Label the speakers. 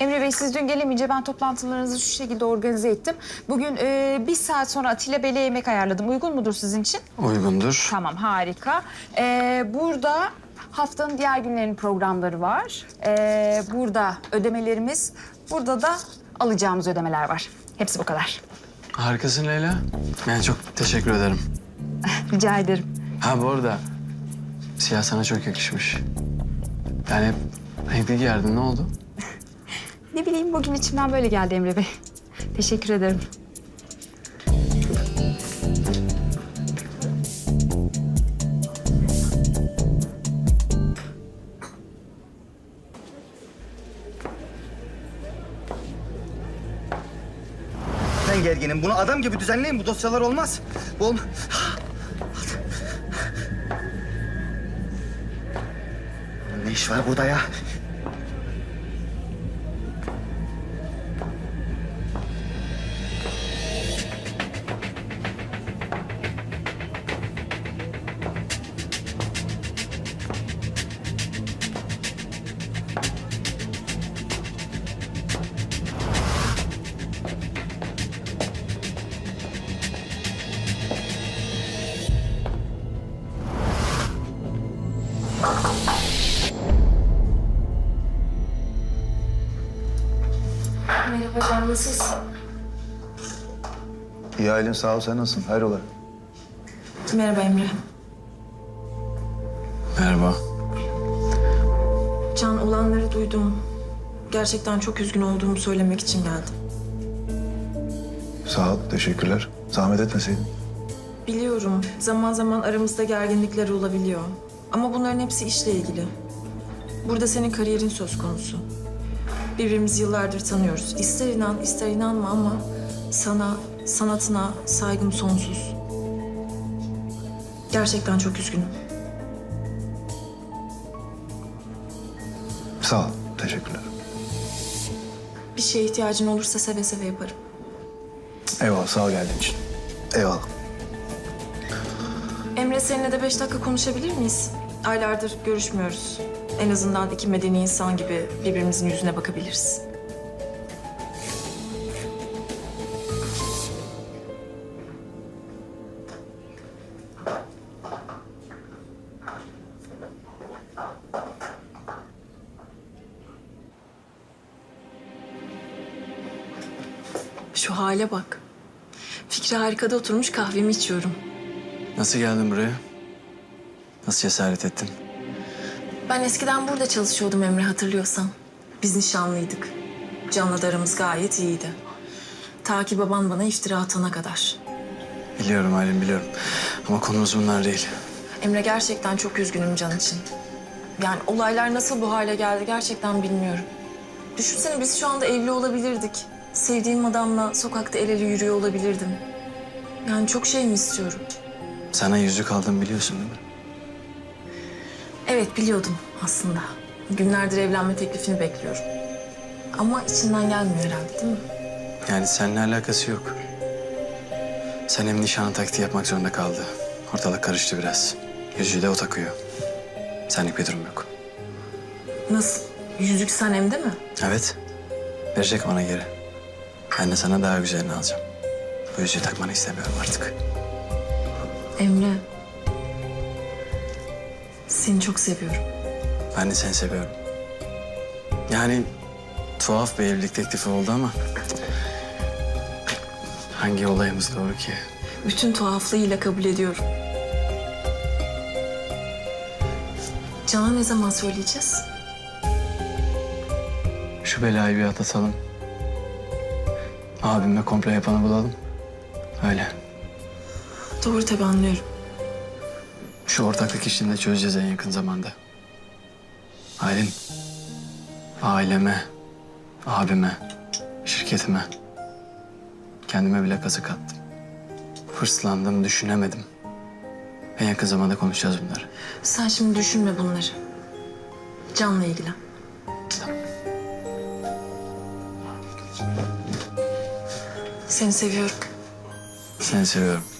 Speaker 1: Emre Bey, siz dün gelemeyince ben toplantılarınızı şu şekilde organize ettim. Bugün bir saat sonra Atilla Bey'le yemek ayarladım. Uygun mudur sizin için?
Speaker 2: Uygundur.
Speaker 1: Tamam, harika. Burada haftanın diğer günlerinin programları var. Burada ödemelerimiz, burada da alacağımız ödemeler var. Hepsi bu kadar.
Speaker 2: Harikasın Leyla. Yani çok teşekkür ederim.
Speaker 1: Rica ederim.
Speaker 2: Ha bu arada siyah sana çok yakışmış. Yani renkli giyerdin, ne oldu?
Speaker 1: Ne bileyim, bugün içimden böyle geldi Emre Bey. Teşekkür ederim.
Speaker 3: Ben gerginim. Bunu adam gibi düzenleyin. Bu dosyalar olmaz. Bu olmaz. Ne iş var burada ya?
Speaker 4: Merhaba Can, nasılsın?
Speaker 5: İyi Aylin, sağ ol. Sen nasılsın? Hayrola?
Speaker 4: Merhaba Emre.
Speaker 2: Merhaba.
Speaker 4: Can, olanları duydum. Gerçekten çok üzgün olduğumu söylemek için geldim.
Speaker 5: Sağ ol, teşekkürler. Zahmet etmeseydin.
Speaker 4: Biliyorum, zaman zaman aramızda gerginlikler olabiliyor. Ama bunların hepsi işle ilgili. Burada senin kariyerin söz konusu. Birbirimizi yıllardır tanıyoruz. İster inan, ister inanma ama sana, sanatına saygım sonsuz. Gerçekten çok üzgünüm.
Speaker 5: Sağ ol, teşekkürler.
Speaker 4: Bir şeye ihtiyacın olursa seve seve yaparım.
Speaker 5: Eyvallah, sağ ol geldiğin için. Eyvallah.
Speaker 4: Emre, seninle de 5 dakika konuşabilir miyiz? Aylardır görüşmüyoruz. En azından iki medeni insan gibi birbirimizin yüzüne bakabiliriz. Şu hale bak. Fikri harikada oturmuş kahvemi içiyorum.
Speaker 2: Nasıl geldin buraya? Nasıl cesaret ettin?
Speaker 4: Ben eskiden burada çalışıyordum Emre, hatırlıyorsan. Biz nişanlıydık. Can'la da aramız gayet iyiydi. Ta ki baban bana iftira atana kadar.
Speaker 2: Biliyorum Aylin, biliyorum. Ama konumuz bunlar değil.
Speaker 4: Emre, gerçekten çok üzgünüm Can için. Yani olaylar nasıl bu hale geldi gerçekten bilmiyorum. Düşünsene, biz şu anda evli olabilirdik. Sevdiğim adamla sokakta el ele yürüyor olabilirdim. Yani çok şey mi istiyorum?
Speaker 2: Sana yüzük aldım, biliyorsun değil mi?
Speaker 4: Evet, biliyordum aslında. Günlerdir evlenme teklifini bekliyorum. Ama içinden gelmiyor herhalde, değil mi?
Speaker 2: Yani seninle alakası yok. Senem nişanı taktiği yapmak zorunda kaldı. Ortalık karıştı biraz. Yüzüğü de o takıyor. Senlik bir durum yok.
Speaker 4: Nasıl? Yüzük Sanem'de mi?
Speaker 2: Evet. Verecek bana geri. Ben de sana daha güzelini alacağım. Bu yüzüğü takmanı istemiyorum artık.
Speaker 4: Emre. Seni çok seviyorum.
Speaker 2: Ben de seni seviyorum. Yani tuhaf bir evlilik teklifi oldu ama... hangi olayımız doğru ki?
Speaker 4: Bütün tuhaflığıyla kabul ediyorum. Can'a ne zaman söyleyeceğiz?
Speaker 2: Şu belayı bir atlatalım. Abimle komplo yapanı bulalım. Öyle.
Speaker 4: Doğru, tabii anlıyorum.
Speaker 2: Şu ortaklık işini de çözeceğiz en yakın zamanda. Aylin, aileme, abime, şirketime, kendime bile kazık attım. Hırslandım, düşünemedim. En yakın zamanda konuşacağız bunları.
Speaker 4: Sen şimdi düşünme bunları. Can'la ilgilen. Seni seviyorum.
Speaker 2: Seni seviyorum.